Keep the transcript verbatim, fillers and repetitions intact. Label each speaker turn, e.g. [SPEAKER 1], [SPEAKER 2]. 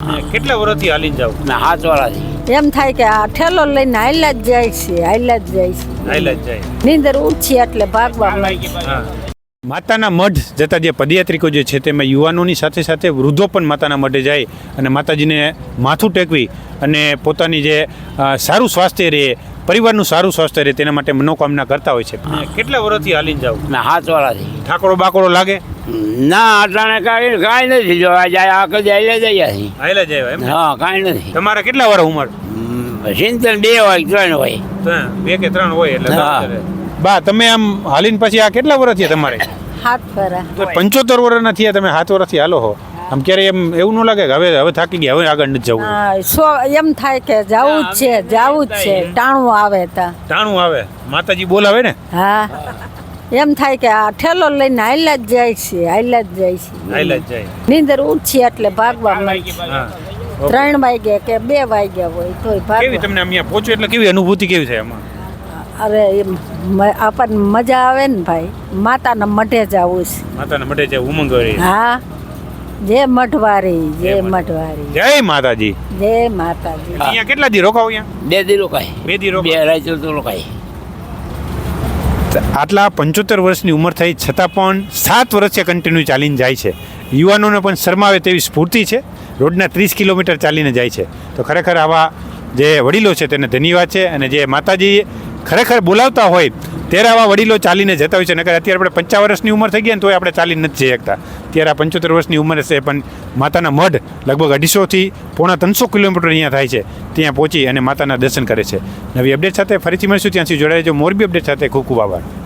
[SPEAKER 1] કેટલા વર્ષથી હાલીને જાવ?
[SPEAKER 2] ના હાથ વાળાથી
[SPEAKER 3] એમ થાય કે આ ઠેલો લઈને હાલ્યા જ જાય છે હાલ્યા જ જાય છે
[SPEAKER 1] હાલ્યા જ જાય.
[SPEAKER 3] નીંદર ઉઠી એટલે ભાગવા માંડે.
[SPEAKER 1] હા. માતાના મઢ જતા જે પદયાત્રિકો જે છે તેમાં યુવાનોની સાથે સાથે વૃદ્ધો પણ માતાના મઢે જાય અને માતાજીને માથું ટેકવી અને પોતાની જે અ, સારું સ્વાસ્થ્ય રહે, પરિવારનું સારું સ્વાસ્થ્ય રહે તેના માટે મનોકામના કરતા હોય છે. કેટલા વર્ષથી હાલીને જાવ?
[SPEAKER 2] ના હાથ વાળાથી
[SPEAKER 1] ઠાકોરો બાકોરો લાગે?
[SPEAKER 2] ના અટાણે કાંઈ કાંઈ નથી જોવા જાય આખો જાય જઈએ છીએ.
[SPEAKER 1] હાલ્યા જાય એમ?
[SPEAKER 2] હા કાંઈ નથી.
[SPEAKER 1] તમારા કેટલા વર્ષ ઉંમર?
[SPEAKER 2] સિત્તેર બે હોય ત્રણ હોય.
[SPEAKER 1] ત્રણ, બે કે ત્રણ હોય એટલે
[SPEAKER 2] હા.
[SPEAKER 1] બરાબર. બા તમે આમ હાલીને પછી આ કેટલા વર્ષ થયા તમારે?
[SPEAKER 3] હાથ ફરા
[SPEAKER 1] તો પંચોતેર વર્ષના થયા તમે સાત વર્ષથી હાલો હો. આમ ક્યારે એમ એવું ન લાગે કે હવે હવે થાકી ગયા, હવે આગળ નથી જવું?
[SPEAKER 3] હા, સો એમ થાય કે જાવું જ છે જાવું જ છે ટાણું આવે તા
[SPEAKER 1] ટાણું આવે, માતાજી બોલાવે ને?
[SPEAKER 3] હા એમ થાય કે આ ઠેલો લઈને હાલ્યા જ જાય છે હાલ્યા જ જાય છે
[SPEAKER 1] હાલ્યા જ જાય.
[SPEAKER 3] નીંદર ઉઠી એટલે ભાગવા માંડે.
[SPEAKER 1] હા.
[SPEAKER 3] ત્રણ વાગ્યા કે બે વાગ્યા હોય તોય
[SPEAKER 1] કેવી
[SPEAKER 3] ભાગવા.
[SPEAKER 1] તમને અહીંયા પહોંચો એટલે કેવી અનુભૂતિ કેવી થાય આમાં?
[SPEAKER 3] અરે એમ મ- આપણને મજા આવે ને ભાઈ. માતાના મઢે જવું છે.
[SPEAKER 1] માતાના મઢે છે ઉમંગ વાળી.
[SPEAKER 3] હા જય મઢવારી જય
[SPEAKER 1] જય
[SPEAKER 3] મઢવારી
[SPEAKER 1] જય માતાજી.
[SPEAKER 3] જય માતાજી.
[SPEAKER 1] અહીંયા કેટલા દી રોકાવ? અહીંયા
[SPEAKER 2] બે દી રોકાય.
[SPEAKER 1] બે દી
[SPEAKER 2] બે
[SPEAKER 1] રોકાવ.
[SPEAKER 2] રાત તો રોકાય.
[SPEAKER 1] આટલા પંચોતેર વર્ષની ઉંમર થઈ છતાં પણ સાત વર્ષે કન્ટિન્યુ ચાલીને જાય છે. યુવાનોને પણ શરમાવે તેવી સ્ફૂર્તિ છે. રોજના ત્રીસ કિલોમીટર ચાલીને જાય છે. તો ખરેખર આવા જે વડીલો છે તેને ધન્યવાદ છે. અને જે માતાજી ખરેખર બોલાવતા હોય ત્યારે આવા વડીલો ચાલીને જતા હોય છે. નકર અત્યારે આપણે પંચાવન વર્ષની ઉંમર થઈ ગઈ ને તોય આપણે ચાલીને નથી જઈ શકતા. ત્યારે આ પંચોતેર વર્ષની ઉંમર છે પણ માતાના મઢ લગભગ અઢીસોથી પોણા ત્રણસો કિલોમીટર અહીંયા થાય છે. ત્યાં પહોંચી અને માતાના દર્શન કરે છે. નવી અપડેટ સાથે ફરીથી મળીશું. ત્યાંથી જોડાઈ જો મોરબી અપડેટ સાથે ખૂબ ખૂબ આભાર.